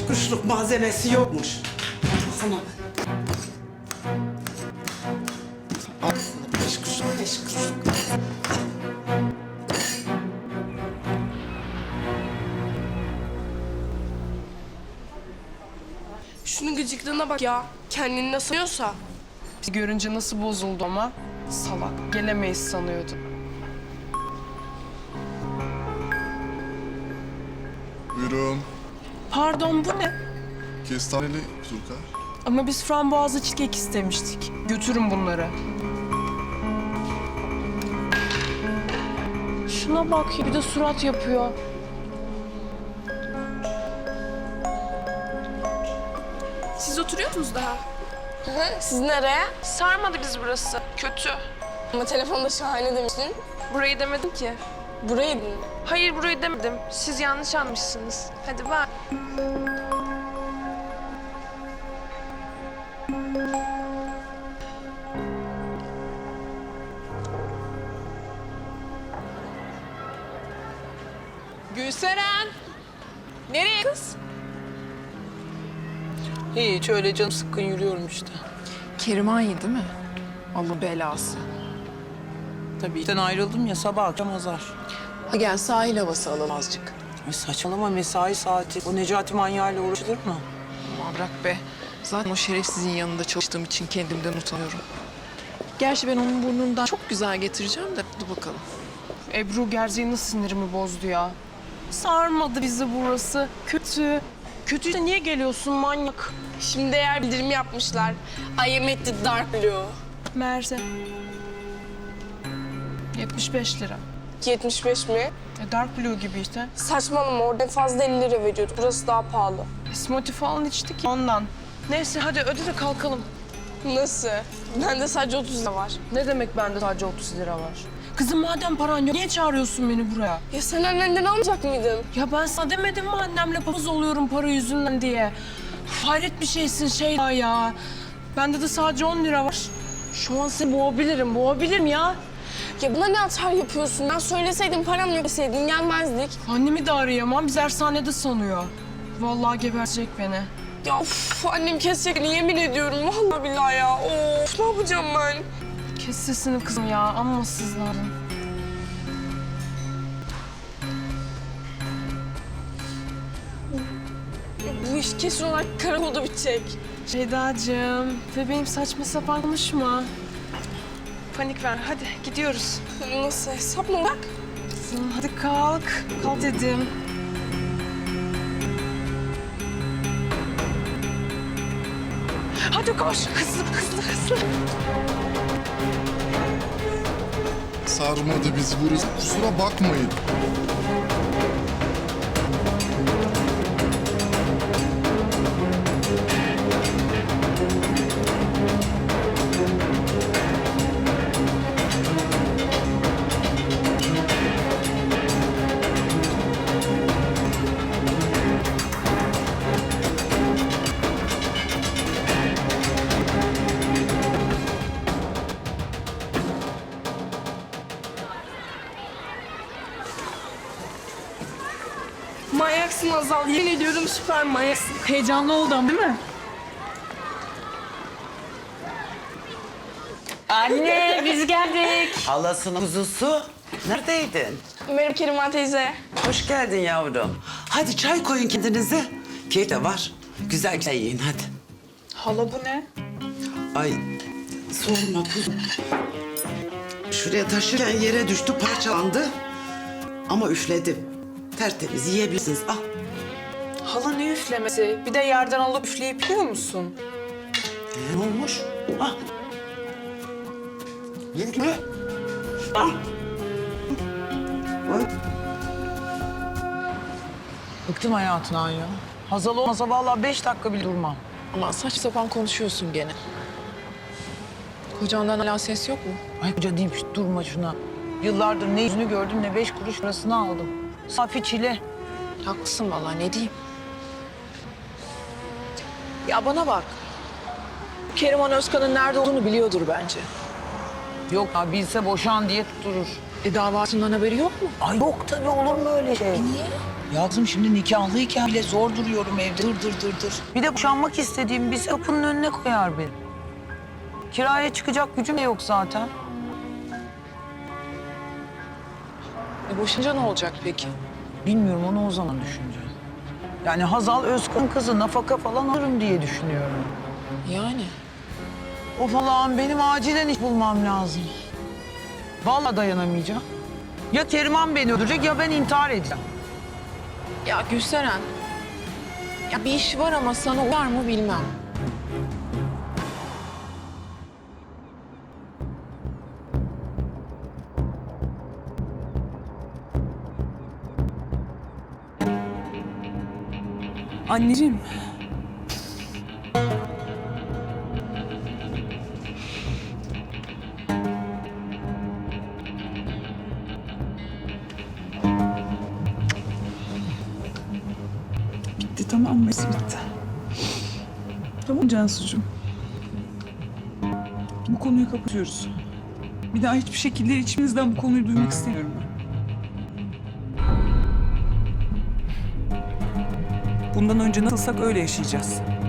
Beş kuruşluk malzemesi yokmuş. Sana. Al sana beş kuruşluk, beş kuruşluk. Şunun gıcıklığına bak ya. Kendini nasıl sanıyorsa. Bizi görünce nasıl bozuldu ama. Salak. Gelemeyiz sanıyordu. Buyurun. Pardon, bu ne? Kestaneli turka. Ama biz frambuazlı cheesecake istemiştik. Götürün bunları. Şuna bak ya, bir de surat yapıyor. Siz oturuyor musunuz daha? Siz nereye? Sarmadı biz burası. Kötü. Ama telefonda şahane demiştin. Burayı demedim ki. Burayı mı? Hayır, burayı demedim. Siz yanlış anlamışsınız. Hadi bak. Gülseren! Nereye kız? Hiç öyle canım sıkkın yürüyorum işte. Kerimanye değil mi? Allah belası. Tabii işten ayrıldım ya sabah akşam azar. Ha gel sahil havası alalım azıcık. Ay saçmalama mesai saati. O Necati manyağıyla uğraşılır mı? Aman bırak be. Zaten o şerefsizin yanında çalıştığım için kendimden utanıyorum. Gerçi ben onun burnundan çok güzel getireceğim de dur bakalım. Ebru gerçeğin nasıl sinirimi bozdu ya. Sarmadı bizi burası. Kötü. Kötüyse niye geliyorsun manyak? Şimdi değer bildirimi yapmışlar. I am at the dark blue. Merze. 75 lira. 75 mi? Dark Blue gibi işte. Saçmalama, orada en fazla 50 lira veriyordu. Burası daha pahalı. Smoothie falan içtik ya ondan. Neyse hadi öde de kalkalım. Nasıl? Bende sadece 30 lira var. Ne demek bende sadece 30 lira var? Kızım madem paran yok niye çağırıyorsun beni buraya? Ya sen annenden almayacak mıydın? Ya ben sana demedim mi annemle papaz oluyorum para yüzünden diye. Uf, hayret bir şeysin şey ya. Bende de sadece 10 lira var. Şu an seni boğabilirim ya. Ya buna ne atar yapıyorsun? Ben söyleseydim, param yok deseydin gelmezdik. Annemi de arayamam, biz ersanede sanıyor. Vallahi gebertecek beni. Ya of, annem kesecek beni, yemin ediyorum. Vallahi billahi ya. Of, ne yapacağım ben? Kes sesini kızım ya, amma sızladın. Bu iş kesin olarak karakolda bitecek. Ceyda'cığım, bebeğim saçma sapan konuşma. Panik ver, hadi gidiyoruz. Nasıl, hesap mı bak? Kızım hadi kalk, kalk dedim. Hadi koş, hızlı. Sarmadı bizi burası. Kusura bakmayın. Manyaksın Azal, yemin ediyorum süper manyaksın. Heyecanlı oldum değil mi? Anne biz geldik. Halasının kuzusu. Neredeydin? Merhaba Keriman teyze. Hoş geldin yavrum. Hadi çay koyun kendinize. Kek de var. Güzel güzel yiyin hadi. Hala bu ne? Ay sorma kuzum. Şuraya taşırken yere düştü, parçalandı. Ama üfledim. Tertemiz yiyebilirsiniz. Al. Hala ne üflemesi? Bir de yerden alıp üfleyip yiyor musun? Ne olmuş? Al. Yedik mi? Al. Oy. Bıktım hayatından ya. Hazal olmasa vallahi 5 dakika bile durmam. Ama saç sapan konuşuyorsun gene. Kocandan hala ses yok mu? Ay koca deyip durma şuna. Yıllardır ne yüzünü gördüm ne 5 kuruş parasını aldım. Safi çile. Haklısın vallahi ne diyeyim. Ya bana bak. Keriman Özkan'ın nerede olduğunu biliyordur bence. Yok ya bilse boşan diye tutturur. Davasından haberi yok mu? Ay yok tabii olur mu öyle şey? Niye? Ya kızım şimdi nikahlıyken bile zor duruyorum evde. Dır. Bir de boşanmak istediğim bir kapının önüne koyar beni. Kiraya çıkacak gücüm de yok zaten. Boşanınca ne olacak peki? Bilmiyorum, onu o zaman düşüneceğim. Yani Hazal Özkan kızı nafaka falan alırım diye düşünüyorum. Yani. Of Allah'ım, benim acilen iş bulmam lazım. Vallahi dayanamayacağım. Ya Keriman beni öldürecek ya ben intihar edeceğim. Ya Gülseren. Ya bir iş var ama sana uyar mı bilmem. Anneciğim. Bitti, tamam mı? Bitti. Tamam Cansucuğum. Bu konuyu kapatıyoruz. Bir daha hiçbir şekilde içimizden bu konuyu duymak istemiyorum ben. Bundan önce nasılsak öyle yaşayacağız.